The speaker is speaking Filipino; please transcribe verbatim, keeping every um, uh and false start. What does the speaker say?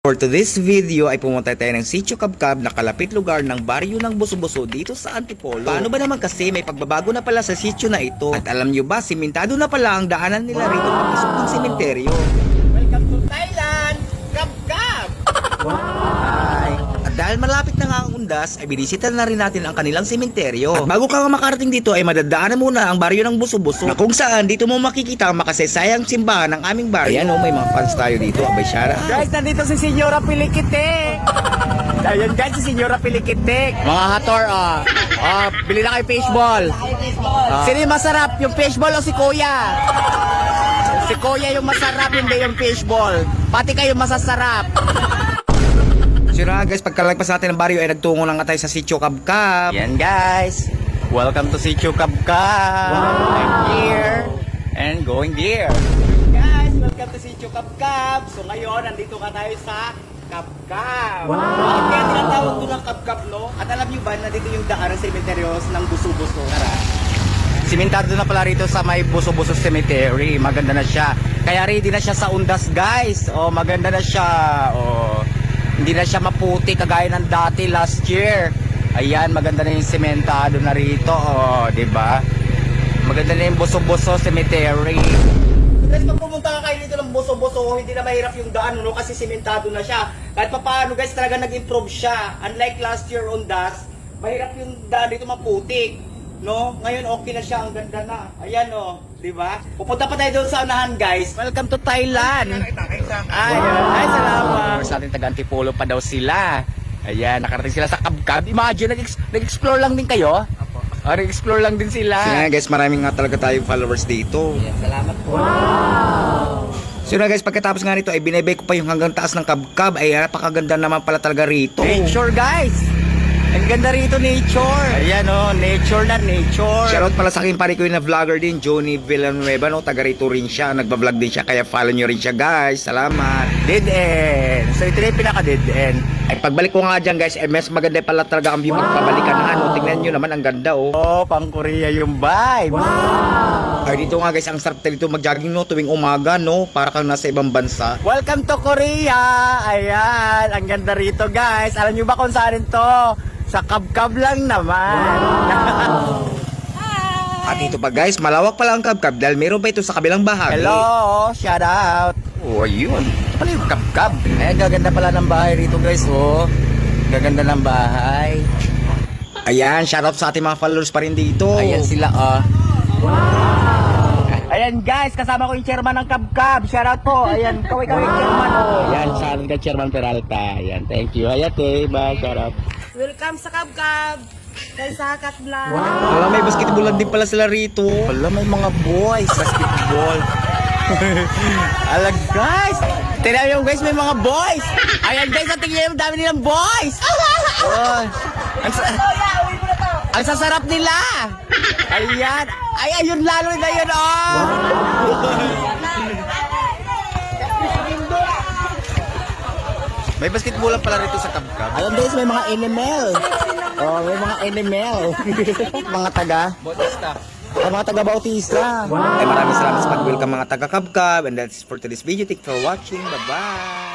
For today's video ay pumunta tayo ng Sitio Cabcab na kalapit lugar ng baryo ng Buso-Buso dito sa Antipolo. Paano ba naman kasi may pagbabago na pala sa sitio na ito? At alam nyo ba, simentado na pala ang daanan nila rito papasok ng sementeryo. Welcome to Thailand, Cabcab! Why? At dahil malapit na nga ang undas, ay binisita na rin natin ang kanilang sementeryo. At bago ka makarating dito ay madadaanan muna ang baryo ng Buso-Buso na kung saan dito mo makikita ang makasaysayang simbahan ng aming baryo. Ayan o, may mga fans tayo dito. Abay, Shara. Guys, nandito si Senyora Pilikitik! Ayan guys, si Senyora Pilikitik. Mga hator, ah. Ah, bili na kayo fishball. Ah. Sino yung masarap? Yung fishball o si Kuya? Si Kuya yung masarap, hindi yung fishball. Pati kayo masasarap. So na guys, pagkalagpas natin ng baryo ay nagtungo na nga tayo sa Sitio Cabcab. Yan guys, welcome to Sitio Cabcab. Wow. I'm here and going there. Guys, welcome to Sitio Cabcab. So ngayon, nandito ka tayo sa Cabcab. Wow. Bakit kaya tinatawag ito ng Cabcab, no? At alam nyo ba, nandito yung daan ng sementeryos ng Buso-Buso. Tara. Simentado na pala rito sa may Buso-Buso Cemetery. Maganda na siya. Kaya ready na siya sa undas, guys. Oh, maganda na siya. Oh. Hindi na siya maputi kagaya ng dati last year. Ayan, maganda na yung sementado na rito, oh, 'di ba? Maganda na yung Buso-Buso Cemetery. Guys, pag pumunta ka kayo dito ng Buso-Buso, hindi na mahirap yung daan, no, kasi sementado na siya. Kahit papaano, guys, talaga nag-improve siya. Unlike last year on das, mahirap yung daan dito maputik, no? Ngayon okay na siya, ang ganda na. Ayan, oh, 'di ba? Pupunta pa tayo doon sa unahan, guys. Welcome to Thailand. Ay, ay, salamat. Sa ating taga-Antipolo pa daw sila. Ayan, nakarating sila sa Cabcab. Imagine, nag-explore lang din kayo? Apo. Oh, nag-explore lang din sila. So na guys, maraming nga talaga tayong followers dito. Yes, salamat po. Wow! So na guys, pagkatapos nga nito ay binibay ko pa yung hanggang taas ng Cabcab. Ay napakaganda naman pala talaga rito. Nature, guys! Ang ganda rito, nature. Ayan, oh, nature na nature. Shoutout pala sa aking pare ko na vlogger din, Johnny Villanueva, no? Taga rito rin siya, nagbablog din siya, kaya follow nyo rin siya guys. Salamat. Dead end. So ito na yung pinaka dead end. Ay pagbalik ko nga dyan guys, eh, mas maganda pala talaga ang view pagpabalikan na ano. Tingnan nyo naman, ang ganda oh. Oh, pang Korea yung vibe. Wow! Ay dito nga guys, ang sarap dito mag-jogging no, tuwing umaga no, para kang nasa ibang bansa. Welcome to Korea. Ayan, ang ganda rito guys. Alam nyo ba kung saan to? Sa Cabcab lang naman. Wow. At dito pa guys, malawak pala ang Cabcab dahil meron pa ito sa kabilang bahagi. Hello, shout out. Oh, ayun. Ito pala yung Cabcab. Ayan, gaganda pala ng bahay rito guys. Oh, gaganda ng bahay. Ayan, shoutout sa ating mga followers pa rin dito. Ayan sila oh. Wow. Ayan guys, kasama ko yung chairman ng Cabcab. Shout out po. Ayan, kaway-kaway yung chairman oh. Ayan, shoutout ka Chairman Peralta. Ayan, thank you. Ayan, eh, bye, shout out. Welcome sa Cabcab! Kay Sakat Vlog! Wow. Wala, may basketballan din pala sila rito. Wala, may mga boys. Basketball. Alag guys! Tignan nyo guys, may mga boys! Ayan guys, ang tingnan yung dami nilang boys! Oh, ang, sa ang sasarap nila! Ayan! Ay, ayun lalo na yun, oh! May basketballan pala rito sa Cabcab. Ayan guys, may mga animal. Oh, may mga animal. Mga taga. Bautista. Ay, mga taga Bautista. Wow. Ay maraming salamat sa pag-welcome mga taga Cabcab. And that's for today's video. Thank you for watching. Bye-bye.